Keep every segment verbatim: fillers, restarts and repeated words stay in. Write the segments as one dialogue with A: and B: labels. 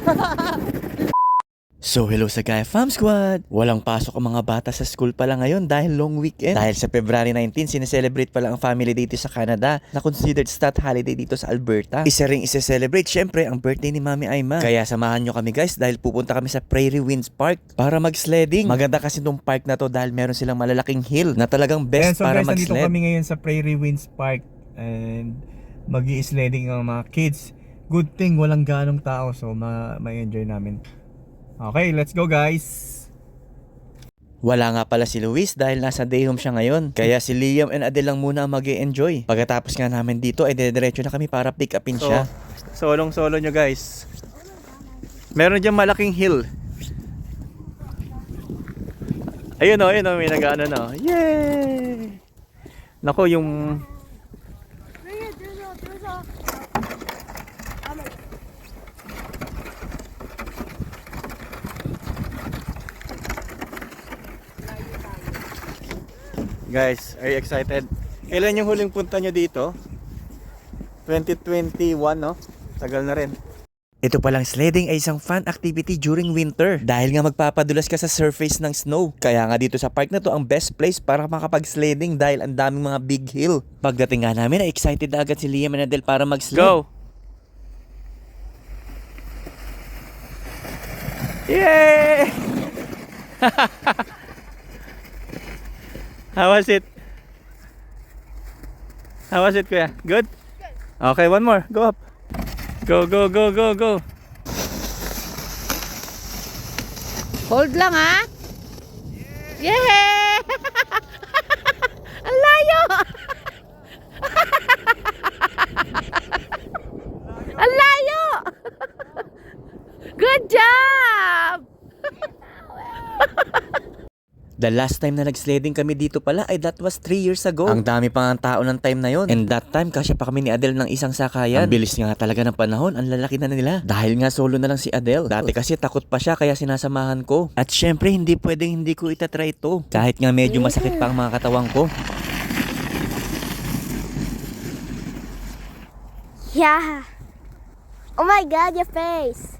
A: So hello sa Gaia Fam Squad! Walang pasok ang mga bata sa school pala ngayon dahil long weekend. Dahil sa February nineteenth, sineselebrate pala ang family day dito sa Canada na considered stat holiday dito sa Alberta. Isa ring isa-celebrate syempre ang birthday ni Mami Aima. Kaya samahan nyo kami guys dahil pupunta kami sa Prairie Winds Park para mag-sledding. Maganda kasi tong park na to dahil meron silang malalaking hill na talagang best
B: Ayan, so
A: para
B: guys,
A: mag-sled.
B: nandito kami ngayon sa Prairie Winds Park and mag-i-sledding ang mga kids. Good thing walang ganong tao so ma- ma-enjoy namin. Okay, let's go guys!
A: Wala nga pala si Luis dahil nasa day home siya ngayon. Kaya si Liam and Adele lang muna ang mag-e-enjoy. Pagkatapos nga namin dito ay dediretso na kami para pick upin
B: So,
A: siya.
B: solong solo nyo guys. Meron dyan malaking hill. Ayun o, ayun o, may nag-ano na. Yay! Nako, yung... Guys, are you excited? Kailan yung huling punta nyo dito? twenty twenty-one, no? Tagal na rin.
A: Ito palang sledding ay isang fun activity during winter dahil nga magpapadulas ka sa surface ng snow. Kaya nga dito sa park na to ang best place para makapag-sledding dahil ang daming mga big hill. Pagdating nga namin ay excited na agad si Liam and Adele para mag-sled.
B: Go! Yay! How was it? How was it, kuya? Good? Okay, one more. Go up. Go, go, go, go, go.
C: Hold lang ha. Yeah! Ang layo! Ang layo! Good job!
A: The last time na nag-sledding kami dito pala ay that was three years ago. Ang dami pa nga tao ng time na yon. And that time, kasya pa kami ni Adele ng isang sakayan. Ang bilis nga talaga ng panahon, ang lalaki na nila. Dahil nga solo na lang si Adele. Dati kasi takot pa siya kaya sinasamahan ko. At syempre, hindi pwedeng hindi ko itatry ito. Kahit nga medyo masakit pa ang mga katawang ko.
D: Yeah. Oh my God, your face.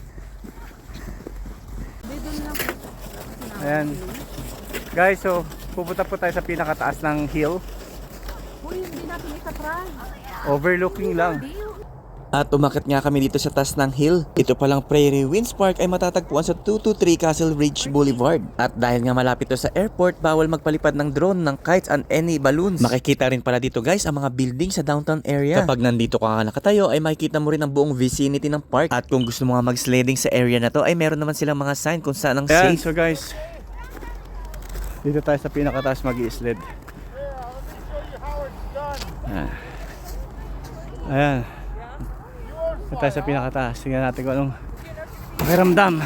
B: Ayan. Guys, so pupunta po tayo sa pinakataas ng hill.
C: Uy, hindi natin itatry.
B: Overlooking lang.
A: At umakit nga kami dito sa taas ng hill. Ito palang Prairie Winds Park ay matatagpuan sa two two three Castle Ridge Boulevard. At dahil nga malapit to sa airport, bawal magpalipad ng drone, ng kites, and any balloons. Makikita rin pala dito guys ang mga building sa downtown area. Kapag nandito ka nga nakatayo ay makikita mo rin ang buong vicinity ng park. At kung gusto mo nga mag-sledding sa area na to ay meron naman silang mga sign kung saan ang
B: Ayan,
A: safe.
B: so guys, dito tayo sa pinakataas mag-i-sled. Ayan. Ayan. Dito tayo sa pinakataas. Tingnan natin kung anong pakiramdam.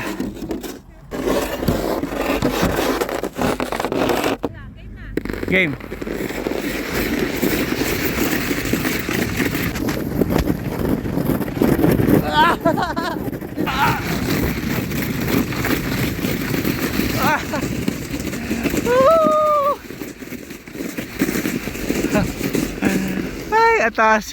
B: Game. Ay, atas.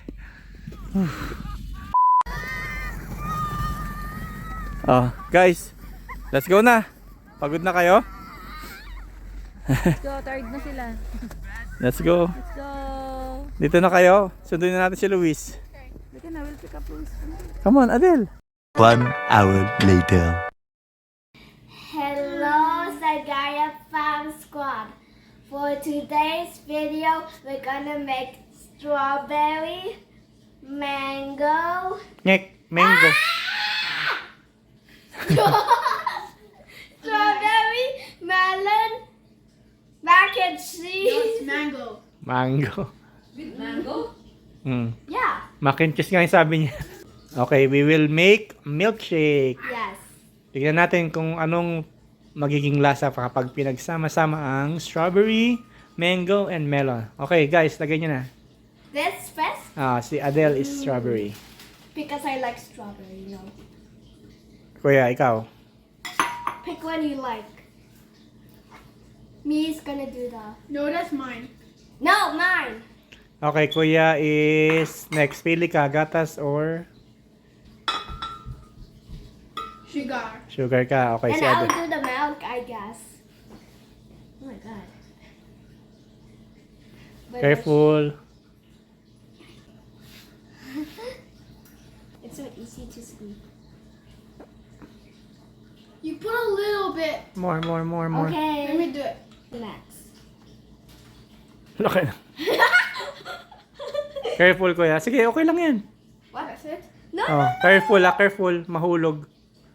B: Oh, guys, let's go na. Pagod na kayo?
C: Let's go, tired na sila.
B: Let's go.
C: Let's go.
B: Dito na kayo. Sunduin na natin si Luis.
C: Look na, we'll pick up Luis.
B: Come on, Adele.
E: One hour later.
D: Hello, Sagaya Farm Squad. For today's video, we're gonna make strawberry, mango,
B: Ngek, mango.
D: strawberry, melon, mac and cheese.
C: Mango.
B: Mango.
C: With mango?
B: Mm.
D: Yeah.
B: Mac and cheese nga yung sabi niya. Okay, we will make milkshake.
D: Yes.
B: Tignan natin kung anong magiging lasa kapag pinagsama-sama ang strawberry, mango, and melon. Okay, guys, lagay nyo na.
D: This first
B: Ah, si Adele is strawberry.
D: because I like strawberry. You know.
B: Kuya, ikaw.
D: Pick one you like. Me is gonna do the.
C: No, that's mine.
D: No, mine.
B: Okay, kuya is next. Pili ka, gatas or
C: Sugar.
B: Sugar ka. Okay,
D: And
B: si
D: I'll
B: Adel.
D: do the milk, I guess. Oh my god. But
B: Careful.
D: It's so easy to squeeze.
C: You put a little bit.
B: More, more, more, more.
C: Let
D: Okay.
C: me do it.
D: Relax.
B: Laki na. Careful, kuya. Sige, okay lang yan.
C: What? That's it?
D: No,
B: Oh, careful ah, careful. Mahulog.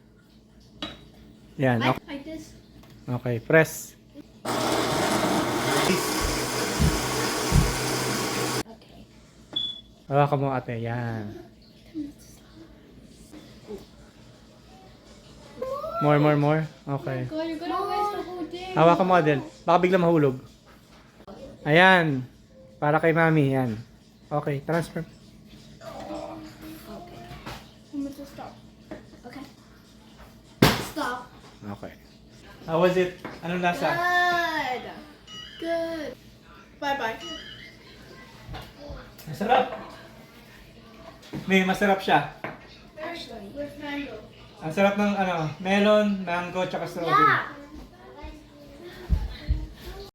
B: Yan.
C: Like,
B: Okay,
C: like this.
B: okay. Press.
D: Okay.
B: Hawakan mo ate. Yan. More, more, more. Okay.
C: God, you're gonna waste the whole thing.
B: Hawakan mo, Adel. Baka bigla mahulog. Ayan. Para kay mami. Yan. Okay. Transfer.
D: Okay.
C: I'm gonna stop.
D: Okay.
C: Stop.
B: Okay. How was it? Anong lasa?
C: Good. Good. Bye bye.
B: Masarap. May masarap siya.
C: With mango.
B: Ang sarap ng ano, melon, mango, tsaka strawberry.
D: Yeah.